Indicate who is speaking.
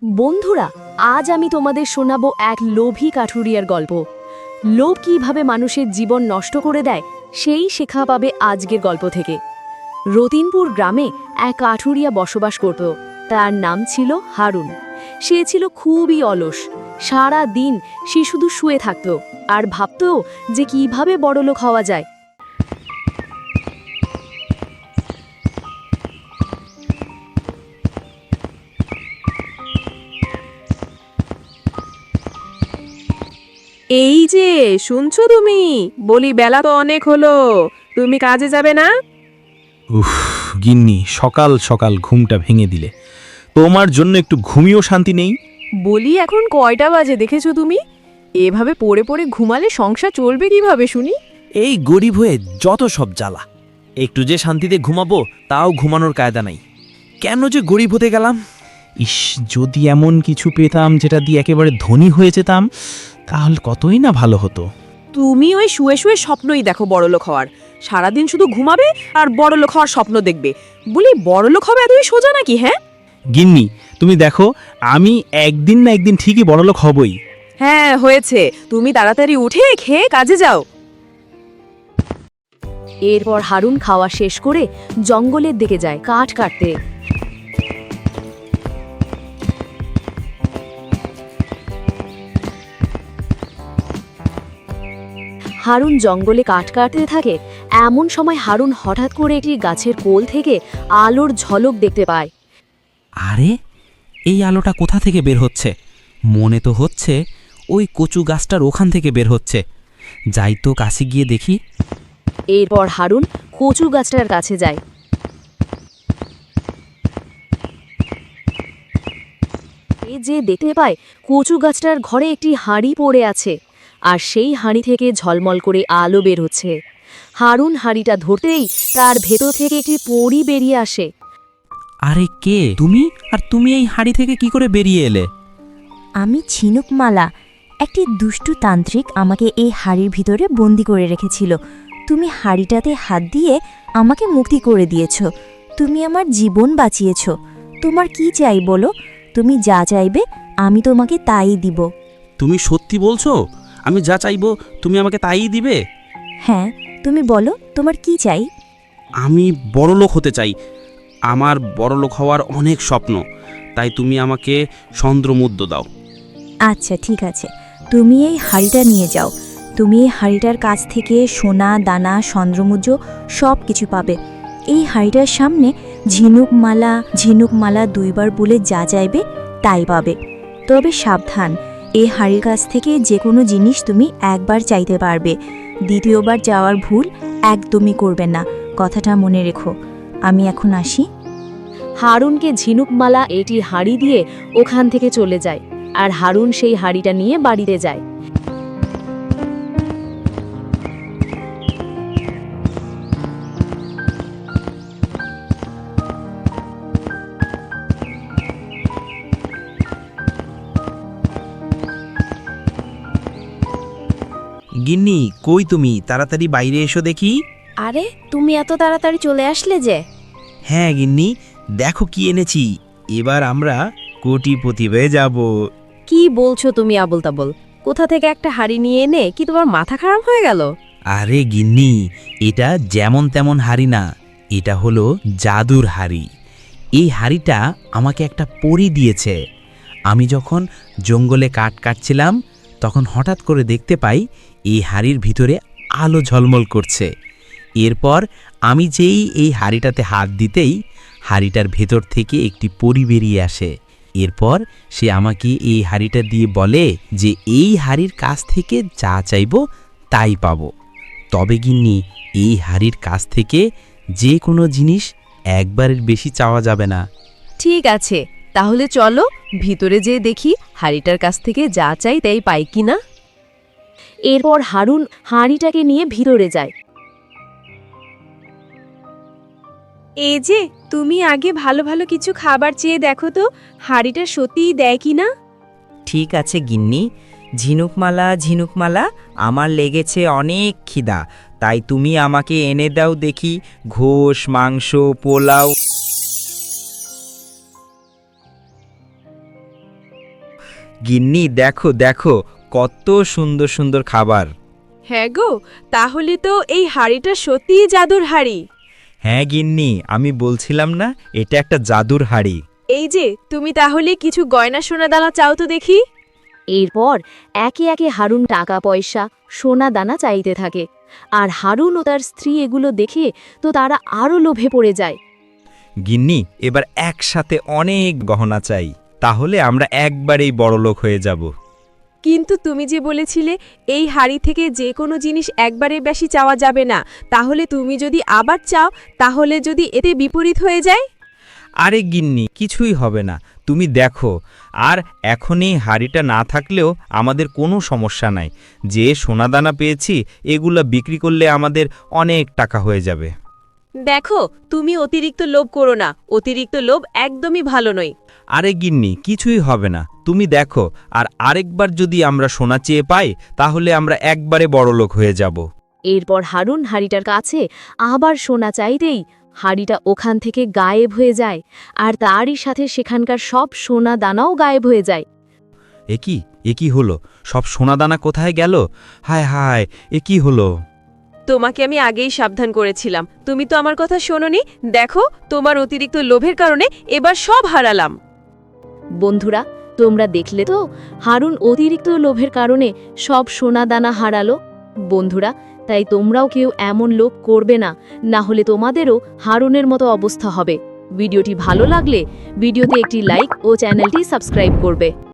Speaker 1: বন্ধুরা, আজ আমি তোমাদের শোনাবো এক লোভী কাঠুরিয়ার গল্প। লোভ কিভাবে মানুষের জীবন নষ্ট করে দেয় সেই শেখা পাবে আজকের গল্প থেকে। রতিনপুর গ্রামে এক কাঠুরিয়া বসবাস করত। তার নাম ছিল হারুন। সে ছিল খুবই অলস। সারা দিন সে শুধু শুয়ে থাকত আর ভাবত যে কিভাবে বড়লোক হওয়া যায়।
Speaker 2: এই যে শুনছো তুমি, বলি বেলা তো অনেক হলো, তুমি কাজে যাবে না?
Speaker 3: উফ, গিন্নি, সকাল সকাল ঘুমটা ভেঙে দিলে। তোমার জন্য একটু ঘুমিয়েও শান্তি নেই।
Speaker 2: বলি এখন কয়টা বাজে দেখেছো তুমি? এভাবে পড়ে পড়ে ঘুমালে সংসার চলবে কিভাবে শুনি?
Speaker 4: এই গরিব হয়ে যত সব জ্বালা। একটু যে শান্তিতে ঘুমাবো তাও ঘুমানোর কায়দা নাই। কেন যে গরিব হতে গেলাম।
Speaker 3: ইস, যদি এমন কিছু পেতাম যেটা দিয়ে একেবারে ধনী হয়ে যেতাম, তাহলে কতই না ভালো হতো।
Speaker 2: তুমি ওই শুয়ে শুয়ে স্বপ্নই দেখো বড়লোক হওয়ার। সারাদিন শুধু ঘুমাবে আর বড়লোক হওয়ার স্বপ্ন দেখবে। বলি বড়লোক হবে এতই সোজা নাকি? হ্যাঁ
Speaker 3: গিন্নি, তুমি দেখো, আমি একদিন না একদিন ঠিকই বড়লোক হবই।
Speaker 2: হ্যাঁ হয়েছে, তুমি তাড়াতাড়ি উঠে খেয়ে কাজে যাও।
Speaker 1: এরপর হারুন খাওয়া শেষ করে জঙ্গলের দিকে যায় কাঠ কাটতে। হারুন জঙ্গলে কাঠ কাটতে থাকে। এমন সময় হারুন হঠাৎ করে একটি গাছের কোল থেকে আলোর ঝলক দেখতে পায়।
Speaker 4: আরে, এই আলোটা কোথা থেকে বের হচ্ছে? মনে তো হচ্ছে ওই কচু গাছটার ওখান থেকে বের হচ্ছে। যাই তো কাছে গিয়ে দেখি।
Speaker 1: এরপর হারুন কচু গাছটার কাছে যায়। যে দেখতে পায় কচু গাছটার ঘরে একটি হাঁড়ি পড়ে আছে, আর সেই হাঁড়ি থেকে ঝলমল করে আলো বের হচ্ছে। হারুন হাঁড়িটা ধরতেই তার ভেতর থেকে একটি পরী বেরিয়ে আসে।
Speaker 4: আরে কে তুমি? আর তুমি এই হাড়ি থেকে কি করে বেরিয়ে এলে?
Speaker 5: আমি ঝিনুকমালা। একটি দুষ্টু তান্ত্রিক আমাকে এই হাড়ির ভিতরে বন্দি করে রেখেছিল। তুমি হাড়িটাতে হাত দিয়ে আমাকে মুক্তি করে দিয়েছ। তুমি আমার জীবন বাঁচিয়েছ। তোমার কি চাই বলো? তুমি যা চাইবে আমি তোমাকে তাই দিব।
Speaker 4: তুমি সত্যি বলছো? আমি যা চাইবো তুমি আমাকে তাই দিবে?
Speaker 5: হ্যাঁ, তুমি বলো তোমার কি চাই?
Speaker 4: আমি বড়লোক হতে চাই। আমার বড়লোক হওয়ার অনেক স্বপ্ন। তাই তুমি আমাকে চন্দ্রমুদ্রা দাও।
Speaker 5: আচ্ছা ঠিক আছে, তুমি এই হাড়িটা নিয়ে যাও। তুমি এই হাড়িটার কাছ থেকে সোনা দানা চন্দ্রমুদ্রা সব কিছু পাবে। এই হাড়িটার সামনে ঝিনুকমালা ঝিনুকমালা দুইবার বলে যা চাইবে তাই পাবে। তবে সাবধান, এই হাড়ির কাছ থেকে যে কোনো জিনিস তুমি একবার চাইতে পারবে। দ্বিতীয়বার যাওয়ার ভুল একদমই করবে না, কথাটা মনে রেখো। আমি এখন আসি।
Speaker 1: হারুনকে ঝিনুকমালা এটি হাঁড়ি দিয়ে ওখান থেকে চলে যায়, আর হারুন সেই হাঁড়িটা নিয়ে বাড়িতে যায়।
Speaker 4: গিন্নি, কই তুমি? তাড়াতাড়ি বাইরে এসো দেখি।
Speaker 5: আরে, তুমি এত তাড়াতাড়ি চলে আসলে যে?
Speaker 4: হ্যাঁ গিন্নি, দেখো কি এনেছি। এবার আমরা কোটিপতি হয়ে যাব।
Speaker 2: কি বলছো তুমি আবল তাবল? কোথা থেকে একটা হাড়ি নিয়ে এনে কি তোমার মাথা খারাপ হয়ে গেল?
Speaker 4: আরে গিন্নি, এটা যেমন তেমন হাড়ি না, এটা হলো জাদুর হাড়ি। এই হাড়িটা আমাকে একটা পরী দিয়েছে। আমি যখন জঙ্গলে কাঠ কাটছিলাম তখন হঠাৎ করে দেখতে পাই এই হাড়ির ভিতরে আলো ঝলমল করছে। এরপর আমি যেই এই হাড়িটাতে হাত দিতেই হাড়িটার ভেতর থেকে একটি পরী বেরিয়ে আসে। এরপর সে আমাকে এই হাড়িটা দিয়ে বলে যে এই হাড়ির কাছ থেকে যা চাইবো তাই পাবো। তবে গিন্নি, এই হাড়ির কাছ থেকে যে কোনো জিনিস একবারের বেশি চাওয়া যাবে না।
Speaker 2: ঠিক আছে, তাহলে চলো ভিতরে যেয়ে দেখি হাড়িটার কাছ থেকে যা চাই তাই পাই কিনা।
Speaker 1: এরপর হারুন হাঁড়িটাকে নিয়ে ভিতরে যায়।
Speaker 2: এই যে, তুমি আগে ভালো ভালো কিছু খাবার চেয়ে দেখো তো হাড়িটা সত্যিই দেয় কিনা।
Speaker 6: ঠিক আছে গিন্নি। ঝিনুকমালা ঝিনুকমালা, আমার লেগেছে অনেক খিদা, তাই তুমি আমাকে এনে দাও দেখি ঘোষ, মাংস, পোলাও। গিন্নি দেখো দেখো কত সুন্দর সুন্দর খাবার।
Speaker 2: হ্যাঁ গো, তাহলে তো এই হাড়িটা সত্যিই জাদুর হাড়ি।
Speaker 6: হ্যাঁ গিন্নি, আমি বলছিলাম না এটা একটা জাদুর হাড়ি।
Speaker 2: এই যে তুমি তাহলে কিছু গয়না সোনা দানা চাও তো দেখি।
Speaker 1: এরপর একে একে হারুন টাকা পয়সা সোনা দানা চাইতে থাকে, আর হারুন ও তার স্ত্রী এগুলো দেখে তো তারা আরও লোভে পড়ে যায়।
Speaker 6: গিন্নি, এবার একসাথে অনেক গহনা চাই, তাহলে আমরা একবারেই বড়লোক হয়ে যাব।
Speaker 2: কিন্তু তুমি যে বলেছিলে এই হাড়ি থেকে যে কোনো জিনিস একবারে বেশি চাওয়া যাবে না, তাহলে তুমি যদি আবার চাও তাহলে যদি এতে বিপরীত হয়ে যায়?
Speaker 6: আরে গিন্নি, কিছুই হবে না, তুমি দেখো। আর এখনই হাড়িটা না থাকলেও আমাদের কোনো সমস্যা নাই। যে সোনাদানা পেয়েছি এগুলা বিক্রি করলে আমাদের অনেক টাকা হয়ে যাবে।
Speaker 2: দেখো, তুমি অতিরিক্ত লোভ করো না, অতিরিক্ত লোভ একদমই ভালো নয়।
Speaker 6: আরে গিন্নি, কিছুই হবে না, তুমি দেখো। আর আরেকবার যদি আমরা সোনা চেয়ে পাই তাহলে আমরা একবারে বড়লোক হয়ে যাব।
Speaker 1: এরপর হারুন হাড়িটার কাছে আবার সোনা চাইতেই হাড়িটা ওখান থেকে গায়েব হয়ে যায়, আর তারই সাথে সেখানকার সব সোনা দানাও গায়েব হয়ে যায়।
Speaker 6: এ কি হলো? সব সোনাদানা কোথায় গেল? হায় হায়, এ কি হলো?
Speaker 2: তোমাকে আমি আগেই সাবধান করেছিলাম, তুমি তো আমার কথা শোনোনি। দেখো, তোমার অতিরিক্ত লোভের কারণে এবার সব হারালাম।
Speaker 1: বন্ধুরা, তোমরা দেখলে তো হারুন অতিরিক্ত লোভের কারণে সব সোনা দানা হারালো। বন্ধুরা, তাই তোমরাও কেউ এমন লোভ করবে না, না হলে তোমাদেরও হারুনের মতো অবস্থা হবে। ভিডিওটি ভালো লাগলে ভিডিওতে একটি লাইক ও চ্যানেলটি সাবস্ক্রাইব করবে।